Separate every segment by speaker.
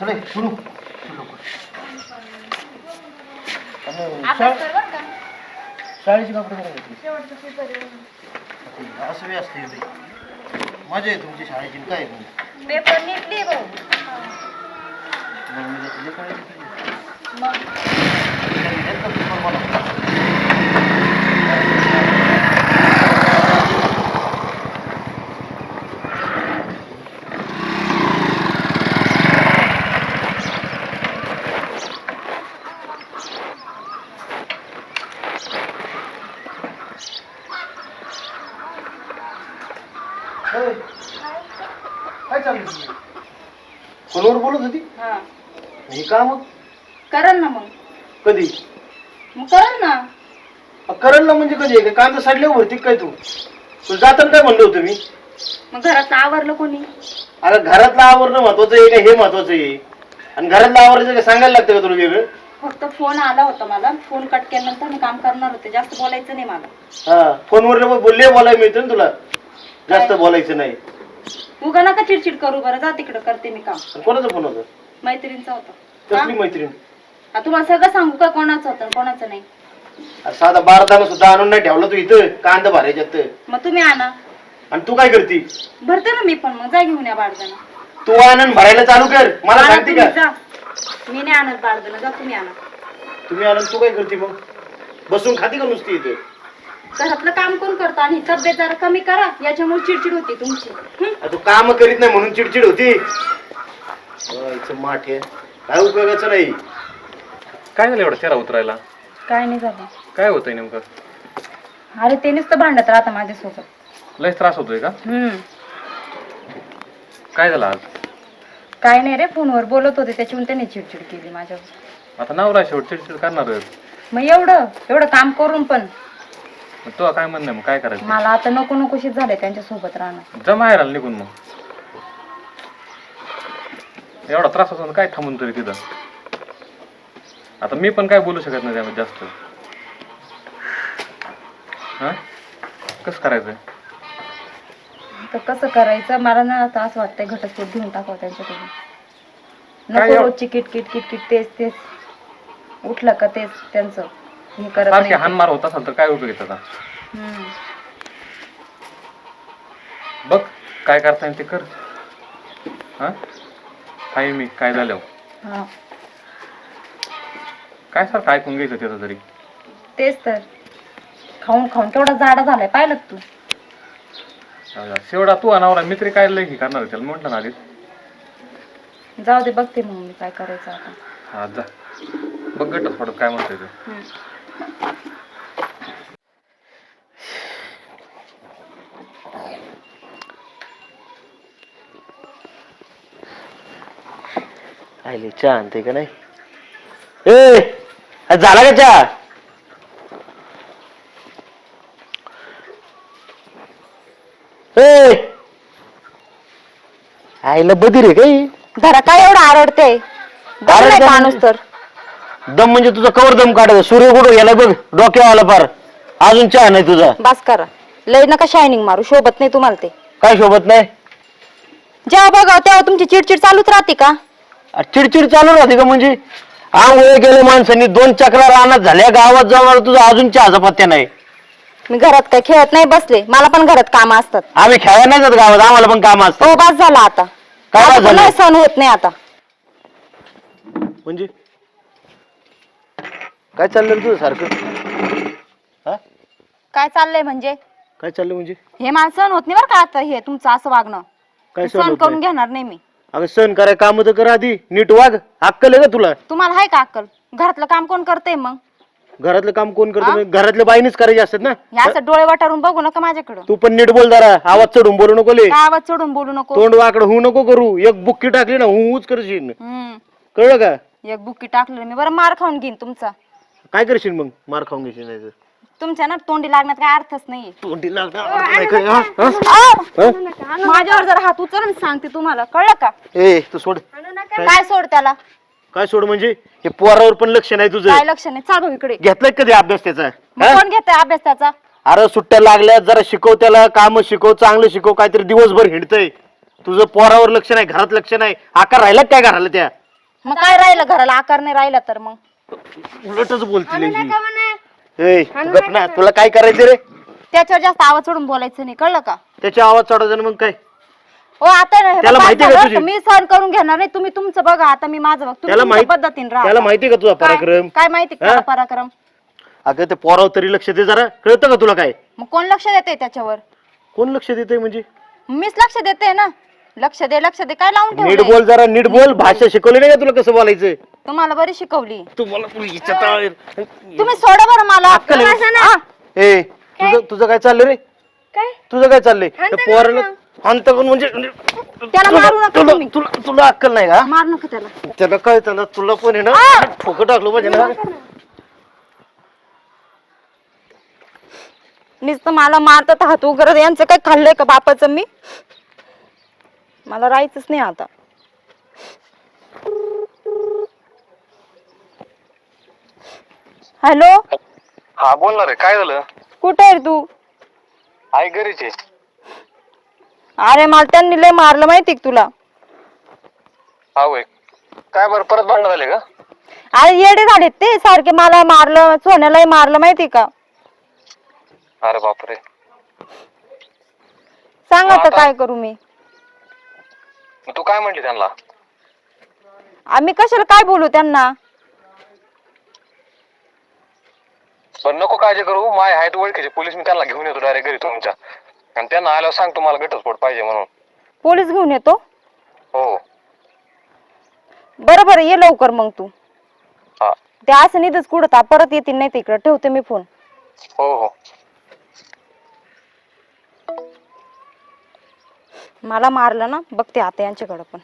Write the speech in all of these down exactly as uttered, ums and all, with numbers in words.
Speaker 1: चले सुरू शाळेची कपडे असं बी असते मजा आहे तुमची शाळेची काय
Speaker 2: पेपर निघली भाऊ
Speaker 1: काय चालू कोणावर बोलत होती हे का मग
Speaker 2: करल ना मग
Speaker 1: कधी
Speaker 2: मग करल ना
Speaker 1: करल ना म्हणजे कधी कांदा साडल्यावर भरती काय तू तू जाताना काय म्हणलं होतं मी
Speaker 2: मग घरात आवरलं कोणी
Speaker 1: अरे घरातलं आवरणं महत्वाचं आहे का हे महत्वाचं आहे आणि घरातलं आवरायचं काय सांगायला लागतं का तुला वेगळं
Speaker 2: फक्त फोन आला होता मला फोन कट केल्यानंतर मी काम करणार होते जास्त बोलायचं नाही मला
Speaker 1: हा फोनवर बोलले बोलायला मिळतं ना तुला जास्त बोलायचं नाही
Speaker 2: तू का नका चिडचिड करू बरं जा तिकडं करते मी काम
Speaker 1: कोणाचा फोन होता
Speaker 2: मैत्रिणीचा होता
Speaker 1: कसली मैत्रीण
Speaker 2: आ, तुम्हाला सगळं सांगू का कोणाचं होतं आणि कोणाचं नाही
Speaker 1: अरे साधा बारा दाना सुद्धा आणून नाही ठेवला तू इथं कांदा भरायच्यात
Speaker 2: मग तुम्ही आणा
Speaker 1: आणि तू काय करती
Speaker 2: भरते ना मी पण मग जा घेऊन या बाळदाना
Speaker 1: तू आणून भरायला चालू कर मला
Speaker 2: आणा
Speaker 1: सांगते
Speaker 2: तुम्ही,
Speaker 1: का
Speaker 2: जा. मी नाही आणत बाळदाना जा तुम्ही आणा
Speaker 1: तुम्ही आणून तू काय करते मग बसून खाती का नुसती इथे
Speaker 2: घरातलं काम कोण करतो आणि तब्येत जरा कमी करा याच्यामुळे चिडचिड होती तुमची हं?
Speaker 1: तू काम करीत नाही म्हणून चिडचिड होती माठ आहे काय उपयोगाचं नाही
Speaker 3: काय झालं एवढं चेहरा उतरायला
Speaker 2: काय नाही झालं
Speaker 3: काय होतंय नेमकं
Speaker 2: अरे ते नुसतं भांडत राहता माझ्यासोबत
Speaker 3: लयच त्रास होतोय का
Speaker 2: हम्म
Speaker 3: काय झालं आज
Speaker 2: काय नाही रे फोनवर बोलत होते त्याच्याहून त्याने चिडचिड केली माझ्यावर
Speaker 3: आता नवरा शेवट चिडचिड करणारच
Speaker 2: मग एवढं एवढं काम करून पण
Speaker 3: मग तो काय म्हणणं मग काय करायचं
Speaker 2: मला आता नको नकोशीच झाले त्यांच्या सोबत राहणं
Speaker 3: जमा आहे राहिला निघून मग एवढा त्रास होतो काय थांबून तरी तिथं आता मी पण काय बोलू शकत नाही त्यामध्ये जास्त हा कसं करायचंय
Speaker 2: तर कसं करायचं मला ना आता असं वाटतंय घटस्फोट घेऊन टाकावं त्यांच्याकडून
Speaker 3: काय
Speaker 2: नको
Speaker 3: एव-
Speaker 2: रोजची किटकिट किटकिट तेच तेच उठलं का तेच त्यांचं हे करत
Speaker 3: सारखे
Speaker 2: नाही.
Speaker 3: हानमार होत असेल तर काय उपयोग आहे त्याचा
Speaker 2: हम्म.
Speaker 3: बघ काय करता येईल ते कर हा काय मी काय झालं
Speaker 2: हा
Speaker 3: काय सारखं ऐकून घ्यायचं त्याचं तरी
Speaker 2: तेच तर खाऊन खाऊन केवढा जाडा झालाय पाहिलं का तू
Speaker 3: शेवटा तू अनावरा मित्री काय लय हे करणार त्याला म्हटलं ना आधीच
Speaker 2: जाऊ दे बघते मग मी काय करायचं आता
Speaker 3: हा जा बघ गटच पडत काय म्हणतोय ते
Speaker 2: हम्म.
Speaker 1: आईले चहा आणते का नाही ए आज झाला का चहा ए आईला बधीर आहे काही
Speaker 2: घरा काय एवढं आरडते
Speaker 1: आरडते
Speaker 2: माणूस तर
Speaker 1: दम म्हणजे तुझा कवर दम काढायचा सूर्य कुठं गेला बघ डोक्यावाला पार अजून चहा नाही तुझा
Speaker 2: बस करा लय नका शायनिंग मारू शोभत नाही तुम्हाला ते
Speaker 1: काय शोभत नाही
Speaker 2: जेव्हा बघा तेव्हा तुमची चिडचिड चालूच राहते का
Speaker 1: अरे चिडचिड चालू राहते का म्हणजे आंघोळ गेले माणसांनी दोन चक्रा रानात झाल्या गावात जाऊन तुझा अजून चहाचा पत्त्या नाही
Speaker 2: मी घरात काय खेळत नाही बसले मला पण घरात काम असतात
Speaker 1: आम्ही खेळायला नाही जात गावात आम्हाला पण काम असतं
Speaker 2: हो बस झाला आता
Speaker 1: काय
Speaker 2: आता
Speaker 1: बस झालं?
Speaker 2: नाही सहन होत नाही आता
Speaker 1: म्हणजे काय चाललं रे तुझं सारखं हा
Speaker 2: काय चाललंय म्हणजे
Speaker 1: काय चाललं म्हणजे
Speaker 2: हे मला सहन होत नाही बरं का आता हे तुमचं असं वागणं
Speaker 1: काय
Speaker 2: मी
Speaker 1: सहन
Speaker 2: सहन
Speaker 1: होत
Speaker 2: करून
Speaker 1: नाही?
Speaker 2: घेणार नाही मी
Speaker 1: अगं सण कराय काम तर कर आधी नीट वाग अक्कल आहे का तुला
Speaker 2: तुम्हाला आहे का अक्कल घरातलं काम कोण करतंय मग
Speaker 1: घरातलं काम कोण
Speaker 2: हा?
Speaker 1: करतो म्हणजे घरातल्या बाईनेच करायचे असतात ना
Speaker 2: हे असं डोळे वाटारून बघू नका माझ्याकडं
Speaker 1: तू पण नीट बोल जरा आवाज चढून बोलू नको ले
Speaker 2: काय आवाज चढून बोलू नको
Speaker 1: तोंड वाकड होऊ नको करू एक बुक्की टाकली ना हूच करशील
Speaker 2: हम्म
Speaker 1: कळलं का
Speaker 2: एक बुक्की टाकलं मी बरं मार खाऊन घेईन तुमचा
Speaker 1: काय करशील मग मार खाऊन घेशील नाही तर
Speaker 2: तुमच्या ना तोंडी लागण्यात काय अर्थच नाहीये
Speaker 1: तोंडी लागणार नाही काय, हा? हा? हा?
Speaker 2: माझ्यावर जर हात उचल आणि सांगते तुम्हाला कळलं का
Speaker 1: ए तू सोड
Speaker 2: काय सोड त्याला
Speaker 1: काय सोड म्हणजे हे पोरावर पण लक्ष नाही तुझं
Speaker 2: काय लक्ष नाही चाल भाऊ इकडे
Speaker 1: घेतलाय कधी अभ्यास त्याचा
Speaker 2: मग
Speaker 1: हा?
Speaker 2: कोण घेतोय अभ्यास त्याचा
Speaker 1: अरे सुट्ट्या लागल्या जरा शिकव त्याला काम शिकव चांगलं शिकव काहीतरी दिवसभर हिंडतय तुझं पोरावर लक्ष नाही घरात लक्ष नाही आकार राहिला काय घराला त्या
Speaker 2: मग काय राहिलं घराला आकार नाही राहिला तर मग
Speaker 1: उलटच बोलतील ही. ए, तू गप ना, तुला काय करायचं रे?
Speaker 2: त्याच्यावर जास्त आवाज सोडून बोलायचं नाही, कळलं का?
Speaker 1: त्याच्या आवाज चढायचा ना मग काय?
Speaker 2: हो आता नाही,
Speaker 1: त्याला
Speaker 2: बस
Speaker 1: माहिती आहे का
Speaker 2: झालं,
Speaker 1: तुझी?
Speaker 2: मी सहन करून घेणार नाही. तुम्ही तुमचं बघा, आता मी माझं बघ. तुम्ही
Speaker 1: त्याला
Speaker 2: तुमच्या
Speaker 1: माहित-
Speaker 2: पद्धतीने राहा.
Speaker 1: त्याला माहिती का तुझा
Speaker 2: काय
Speaker 1: पराक्रम?
Speaker 2: काय माहिती का
Speaker 1: हा?
Speaker 2: त्याला पराक्रम?
Speaker 1: अगं ते पोरावर तरी लक्ष दे जरा, कळतं का तुला काय?
Speaker 2: मग कोण लक्ष देते त्याच्यावर?
Speaker 1: कोण लक्ष देतंय म्हणजे?
Speaker 2: मीच लक्ष देते ना. लक्ष दे लक्ष दे काय लावून
Speaker 1: नीट
Speaker 2: ठेवलंय?
Speaker 1: बोल जरा, नीट बोल. भाषा शिकवली नाही का तुला कसं बोलायचं?
Speaker 2: तुम्हाला बरी शिकवली.
Speaker 1: तू मला तू हिच्या तळावर-
Speaker 2: तुम्ही सोडा बरं मला.
Speaker 1: अक्कल आहे?
Speaker 2: हा.
Speaker 1: ए तुझं तुझं काय चाललंय रे?
Speaker 2: काय
Speaker 1: तुझं काय चाललंय? पोराला अंत म्हणजे
Speaker 2: त्याला
Speaker 1: तुला-
Speaker 2: मारू नका
Speaker 1: तुला
Speaker 2: तुम्ही.
Speaker 1: तुला तुला अक्कल नाही का?
Speaker 2: मार नका त्याला.
Speaker 1: त्याला काय त्याला तुला पण आहे ना ठोकं टाकलं पाहिजे ना.
Speaker 2: नुसतं मला मारतात हात उघडत. यांचं काय खाल्लंय का बापाचं मी? मला राहायचंच नाही आता. हॅलो,
Speaker 3: हा बोल ना रे, काय झालं?
Speaker 2: कुठे आहे रे तू?
Speaker 3: आई घरीच आहे.
Speaker 2: अरे मला त्यांनी लय मारलं माहिती का तुला?
Speaker 3: हा होय. काय बरं परत भांडण झाले का?
Speaker 2: अरे येडे झालेत ते, सारखे मला मारलं, सोन्यालाही मारलं माहिती का?
Speaker 3: अरे बापरे.
Speaker 2: सांग आता
Speaker 3: आता?
Speaker 2: काय करू मी?
Speaker 3: मग तू काय म्हणली त्यांना?
Speaker 2: आम्ही कशाला काय बोलू त्यांना?
Speaker 3: पण नको काळजी करू, माय आहेत ओळखीचे पोलीस, मी त्यांना घेऊन येतो डायरेक्ट घरी तुमच्या. आणि त्यांना आल्यावर सांग तुम्हाला घटस्फोट पाहिजे म्हणून.
Speaker 2: पोलीस घेऊन येतो?
Speaker 3: हो
Speaker 2: बरं बरं ये लवकर मग तू.
Speaker 3: हा
Speaker 2: ते असं निधच कुठं परत येतील नाही तिकडं. ठेवते मी फोन.
Speaker 3: हो हो.
Speaker 2: मला मारलं ना, बघते आता यांच्याकडं पण.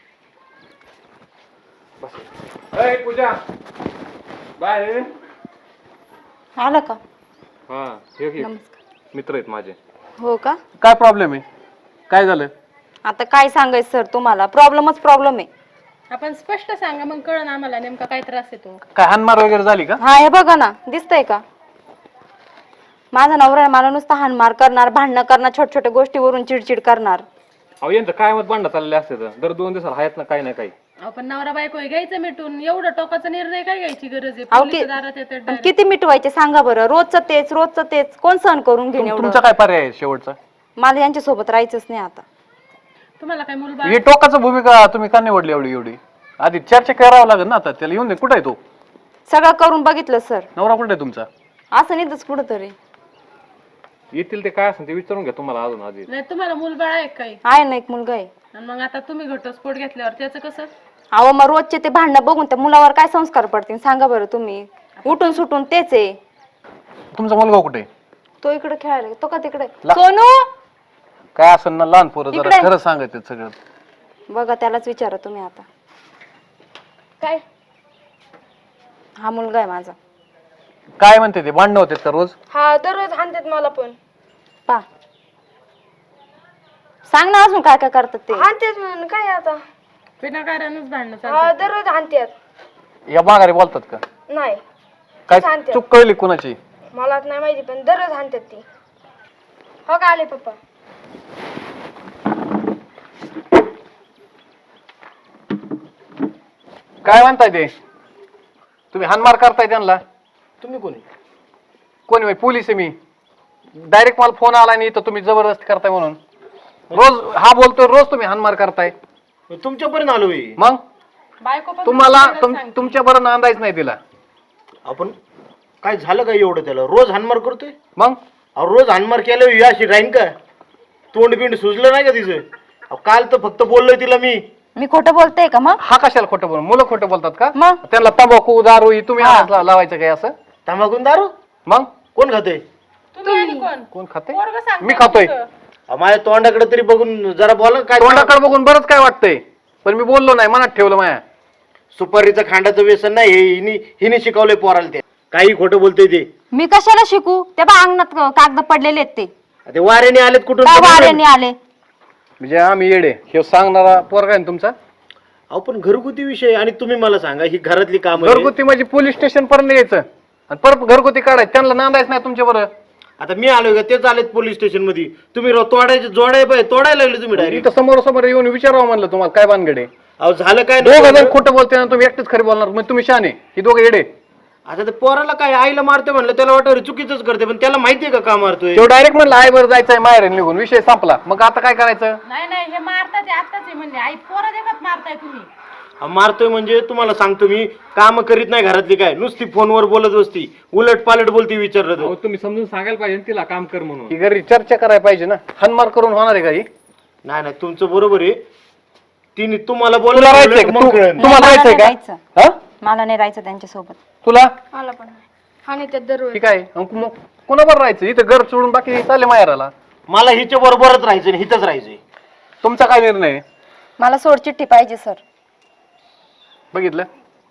Speaker 3: पूजा बाय.
Speaker 2: आलं का?
Speaker 3: हा हे घे.
Speaker 2: नमस्कार.
Speaker 3: मित्र आहेत माझे.
Speaker 2: हो का?
Speaker 3: काय प्रॉब्लेम आहे? काय झालं?
Speaker 2: आता काय सांगायचं सर तुम्हाला? प्रॉब्लेमच प्रॉब्लेम आहे.
Speaker 4: आपण स्पष्ट सांगा, मग कळण आम्हाला नेमका काय त्रास येतो.
Speaker 3: काय हानमार वगैरे झाली का?
Speaker 2: हा हे बघा ना, दिसतंय का? माझा नवरा आहे, मला नुसतं हाणमार करणार, भांडणं करणार, छोट्या छोट्या गोष्टीवरून चिडचिड करणार.
Speaker 3: अहो यांचं काय मत भांडण चाललेले असते तर दर दोन दिवसाला आहेत ना काही ना काही.
Speaker 4: आपण नवरा बायको आहे, घ्यायचं मिटून. एवढं टोकाचा निर्णय काय घ्यायची गरज आहे?
Speaker 2: अहो,
Speaker 4: पोलीस
Speaker 2: कि-
Speaker 4: दारात येतात
Speaker 2: पण
Speaker 4: direct.
Speaker 2: किती मिटवायचे सांगा बरं? रोजचं तेच रोजचं तेच कोण सहन करून घेईन एवढं?
Speaker 3: तुमचा काय पर्याय आहे शेवटचा?
Speaker 2: मला यांच्या सोबत राहायचंच नाही आता.
Speaker 4: तुम्हाला काय मुलगा?
Speaker 3: ही टोकाचं भूमिका तुम्ही का निवडली एवढी एवढी? आधी चर्चा करावं लागेल ना. आता त्याला येऊन दे. कुठे आहे तो?
Speaker 2: सगळं करून बघितलं सर,
Speaker 3: नवरा कुठे आहे तुमचा?
Speaker 2: असं नाही तस कुठं तरी
Speaker 3: येतील ते काय असेल ते विचारून घ्या तुम्हाला अजून आधी.
Speaker 4: नाही तुम्हाला मुलबाळ आहे काही?
Speaker 2: आहे ना एक मुलगा आहे.
Speaker 4: आणि मग आता तुम्ही घटस्फोट घेतल्यावर त्याचं कसं?
Speaker 2: अहो मग रोजचे ते भांडणं बघून त्या मुलावर काय संस्कार पडतील सांगा बरं तुम्ही? उठून सुटून तेच आहे.
Speaker 3: तुमचा मुलगा कुठे आहे?
Speaker 2: तो इकडे खेळायला गेला. तो का तिकडे?
Speaker 3: ला-
Speaker 2: सोनू
Speaker 3: काय असेल ना लहान पोरं जरा
Speaker 2: इकडे.
Speaker 3: खरं सांगायचं सगळं.
Speaker 2: बघा त्यालाच विचारा तुम्ही आता.
Speaker 4: काय
Speaker 2: हा मुलगा आहे माझा.
Speaker 3: काय म्हणते ते भांडणं होते का रोज?
Speaker 4: हा दररोज हाणतात मला पण.
Speaker 2: पा सांग ना अजून काय काय करतात ते?
Speaker 4: हाणतात म्हणून काय आता? विनाकारणच भांडणं चालतात. दररोज हाणतात.
Speaker 3: या माघारी बोलतात का?
Speaker 4: नाही
Speaker 3: काय चूक कळली कुणाची?
Speaker 4: मला नाही माहिती, पण दररोज हाणतात ती. हो का आले पप्पा?
Speaker 3: काय म्हणताय ते? तुम्ही हानमार करताय त्यांना?
Speaker 1: तुम्ही कोणी?
Speaker 3: कोणी बाई? पोलीस आहे मी. डायरेक्ट मला फोन आला नाही तर तुम्ही जबरदस्ती करताय म्हणून. रोज हा बोलतोय, रोज तुम्ही हानमार करताय.
Speaker 1: तुमच्यापर्यंत आलो मी.
Speaker 3: मग
Speaker 4: बायको पण
Speaker 3: तुम्हाला तुमच्या बरं नांदायच नाही तिला.
Speaker 1: आपण काय झालं काय एवढं त्याला? रोज हानमार करतोय.
Speaker 3: मग
Speaker 1: अहो रोज हानमार केल्यावर ही अशी राहीन का? तोंड बिंड सुजलं नाही का तिचं? अहो काल तर फक्त बोललोय तिला मी.
Speaker 2: मी खोटं बोलते का मग?
Speaker 3: हा कशाला खोटं बोल? मुलं खोटं बोलतात का?
Speaker 2: मग
Speaker 3: त्यांना तंबाखू दारू ही तुम्ही आणायला लावायचं काय असं?
Speaker 1: तंबाखून दारू
Speaker 3: मग
Speaker 1: कोण खाते?
Speaker 4: तुम्ही आणि कोण?
Speaker 3: कोण खाते?
Speaker 4: पोरगं सांगतंय
Speaker 3: मी खातोय.
Speaker 4: तुमचं.
Speaker 1: माझ्या तोंडाकडे तरी बघून जरा बोला काय.
Speaker 3: तोंडाकडे बघून बरंच काय वाटतंय, पण मी बोललो नाही, मनात ठेवलं माया.
Speaker 1: सुपारीचं खांडाचं व्यसन नाही हे हिने हिने शिकवलंय पोराला. ते काही खोटं बोलतोय ते.
Speaker 2: मी कशाला शिकू? ते बा अंगणात कागद पडलेले आहेत ते.
Speaker 1: ते वाऱ्याने आलेत कुठून?
Speaker 2: काय वाऱ्याने आले?
Speaker 3: म्हणजे आम्ही येडे हे सांगणारा पोरगा आहे ना तुमचा?
Speaker 1: अहो पण घरगुती विषय आणि तुम्ही मला सांगा ही घरातली काम.
Speaker 3: घरगुती म्हणजे पोलीस स्टेशन पर्यंत यायचं आणि परत घरगुती काढायचं. त्यांना नांदायच नाही तुमच्या बरं.
Speaker 1: आता मी आलोय का? तेच आलेत पोलीस स्टेशन मध्ये. तुम्ही राव तोडायचे जोडाय पाहिजे तोडायला लागले तुम्ही डायरेक्ट.
Speaker 3: इथं समोर समोर येऊन विचारावं म्हणलं तुम्हाला काय भानगडे.
Speaker 1: अहो झालं काय
Speaker 3: दोघं
Speaker 1: नाही
Speaker 3: जण खोटं बोलते ना, तुम्ही एकटेच खरे बोलणार, मग तुम्ही शहाणे, ही दोघं येडे.
Speaker 1: आता ते पोराला काय आईला मारतोय म्हणलं त्याला वाटतं चुकीचंच करते, पण त्याला माहितीये का का मारतोय?
Speaker 3: तो डायरेक्ट म्हणलं आई बरं जायचंय माहेर निघून, विषय संपला. मग आता काय करायचं?
Speaker 5: नाही नाही हे मारतात ते आत्ताच आहे म्हणजे आई पोरं देखत मारताय तुम्ही.
Speaker 1: हा, मारतोय म्हणजे तुम्हाला सांगतो मी, काम करीत नाही घरातली, काय नुसती फोनवर बोलत बसती, उलट पालट बोलती, विचारलं तर.
Speaker 6: तुम्ही समजून सांगायला पाहिजे तिला काम कर म्हणून.
Speaker 3: ही घरी चर्चा करायला पाहिजे ना, हनमार करून होणार आहे काही?
Speaker 1: नाही नाही तुमचं बरोबर आहे. तिने तुम्हाला
Speaker 3: तुला
Speaker 1: बोललं
Speaker 3: राहायचंय का?
Speaker 1: मग
Speaker 3: तू-
Speaker 1: कळेल.
Speaker 3: तुम्हाला
Speaker 2: मला
Speaker 3: राहायचंय
Speaker 2: नाही
Speaker 3: का?
Speaker 2: राहायचं.
Speaker 3: हा?
Speaker 2: मला नाही राहायचं त्यांच्यासोबत.
Speaker 3: तुला
Speaker 4: मला पण हा नाही त्यात दररोज
Speaker 3: ठीक आहे. मग मग कोणाबरोबर राहायचं? इथं घर सोडून बाकी चालले माहेराला.
Speaker 1: मला हिच्या बरोबरच राहायचं, हिथच राहायचंय.
Speaker 3: तुमचा काय निर्णय आहे?
Speaker 2: मला सोडचिठ्ठी पाहिजे सर.
Speaker 3: बघितलं?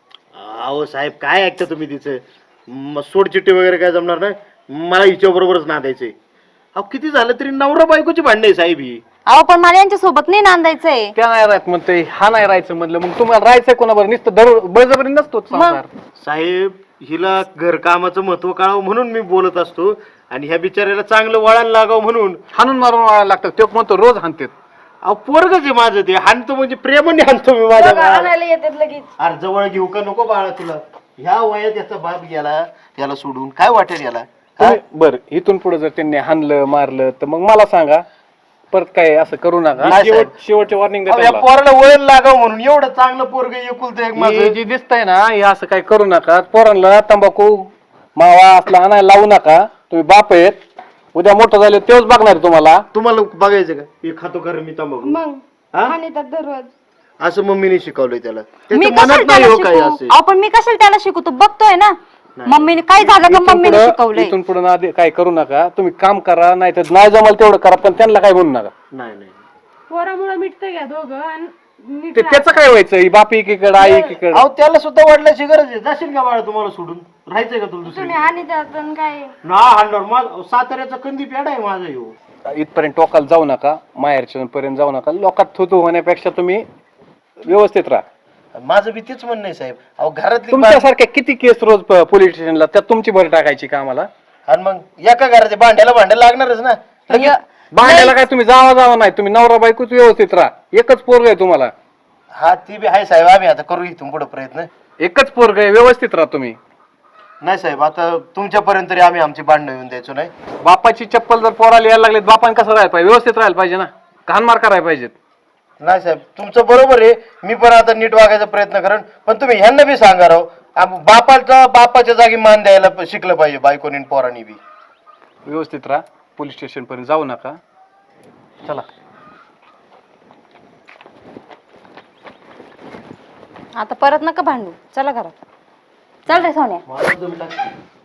Speaker 1: अहो साहेब काय ऐकता तुम्ही तिचं? म- सोडचिट्टी वगैरे काय जमणार नाही, मला हिच्या बरोबरच नांदायचंय. अहो किती झालं तरी नवरा बायकोची भांडण आहे साहेब ही.
Speaker 2: अहो पण मला यांच्यासोबत नाही नांदायचंय.
Speaker 3: त्या नाही राहत म्हणते, हा नाही राहायचं म्हणलं, मग तुम्हाला राहायचंय कोणाबरोबर? नुसतं दर बळजबरी नसतो संसार.
Speaker 1: साहेब हिला घरकामाचं महत्व कळावं म्हणून मी बोलत असतो, आणि ह्या बिचाऱ्याला चांगलं वळण लागावं म्हणून.
Speaker 3: हाणून मारून वाळायला लागतं. तो म्हणतो रोज हाणतेत.
Speaker 1: अहो पोरगच आहे माझं, ते हाणतो म्हणजे प्रेमाने हाणतो मी माझ्या
Speaker 4: बघा,
Speaker 1: बाळाला.
Speaker 4: आणायला येतात लगेच.
Speaker 1: अरे जवळ घेऊ का नको बाळा तुला? ह्या वयात याचा बाप गेला, त्याला सोडून काय वाटेल याला? हा?
Speaker 3: तुम्ही- बरं, इथून पुढे जर त्यांनी हाणलं मारलं तर मग मला सांगा, परत काय असं करू नका.
Speaker 1: नाही
Speaker 6: शेवट
Speaker 1: साहेब.
Speaker 6: शेवटचे वॉर्निंग
Speaker 1: अहो, या पोराला वळण लागावं म्हणून एवढं चांगलं पोरग एकुलतं एक
Speaker 3: हे
Speaker 1: माझं.
Speaker 3: जे दिसतंय ना, हे असं काही करू नका. पोरांना तंबाखू मावा असला आणायला लावू नका. तुम्ही बाप आहेत, उद्या मोठं झाले तेच बघणार तुम्हाला.
Speaker 1: तुम्हाला बघायचं का हे खातो खरं मी तंबाखू?
Speaker 4: मग
Speaker 1: हा?
Speaker 4: हा नाही त्यात दररोज
Speaker 1: असं मम्मीने शिकवलंय त्याला.
Speaker 2: मी
Speaker 1: त्याच्या
Speaker 2: कशाला
Speaker 1: मनात
Speaker 2: त्याला
Speaker 1: नाही हो काही
Speaker 2: शिकू?
Speaker 1: असे.
Speaker 2: अहो पण मी कशाला त्याला शिकू? तू बघतोय ना मम्मीने काय झालं का
Speaker 3: इथून
Speaker 2: मम्मीने
Speaker 3: पुढं-
Speaker 2: शिकवलंय.
Speaker 3: इथून पुढे ना दे- काय करू नका. तुम्ही काम करा, नाही तर नाही जमाल तेवढं करा, पण त्यांना काय बोलू नका.
Speaker 1: नाही नाही
Speaker 5: पोरामुळे मिटतंय का दोघं आणि नीट
Speaker 3: ते त्याचं काय व्हायचं? ही बाप एकीकडे आई एकीकडे.
Speaker 1: अहो त्याला सुद्धा वडिलांची गरज आहे. जाशील का बाळा तुम्हाला सोडून? राहायचंय का तुला दुसरी?
Speaker 4: तुम्ही आणि त्यात आणि काय
Speaker 1: ना हाणणार माझ साताऱ्याचा कंदी पेढा आहे माझा ह्यो.
Speaker 3: इथपर्यंत टोकाला जाऊ नका, माहेरच्या पर्यंत जाऊ नका. लोकात थुतू होण्यापेक्षा तुम्ही व्यवस्थित राहा.
Speaker 1: माझं बी तेच म्हणणं आहे साहेब. अहो घरातली
Speaker 3: तुमच्यासारख्या किती केस रोज पोलीस स्टेशनला, त्यात तुमची भर टाकायची का आम्हाला?
Speaker 1: आणि मग एका घराचे भांड्याला भांड्याला लागणारच ना. लगेच
Speaker 3: भांड्याला काय तुम्ही जावा जावा नाही, तुम्ही नवरा बायकोच व्यवस्थित राहा. एकच पोरग आहे तुम्हाला,
Speaker 1: हा ती बी आहे साहेब. आम्ही आता करू इथून पुढे प्रयत्न.
Speaker 3: एकच पोरग आहे, व्यवस्थित राहा तुम्ही.
Speaker 1: नाही साहेब आता तुमच्यापर्यंत तरी आम्ही आमची भांडणं येऊन द्यायचो नाही.
Speaker 3: बापाची चप्पल जर पोराला यायला लागली, बापान कसं राहायला पाहिजे? व्यवस्थित राहायला पाहिजे ना, घाणमार करायला पाहिजेत.
Speaker 1: नाही साहेब तुमचं बरोबर आहे. मी पण आता नीट वागायचा प्रयत्न करेन, पण तुम्ही ह्यांना बी सांगा राव, आम- बापाचा बापाच्या जागी मान द्यायला प- शिकलं पाहिजे बायकोनी आणि पोरांनी बी.
Speaker 3: व्यवस्थित राहा, पोलीस स्टेशन पर्यंत जाऊ नका. चला.
Speaker 2: आता परत नका भांडू, चला घरात. चल रे सोन्या.
Speaker 1: मला जमलं.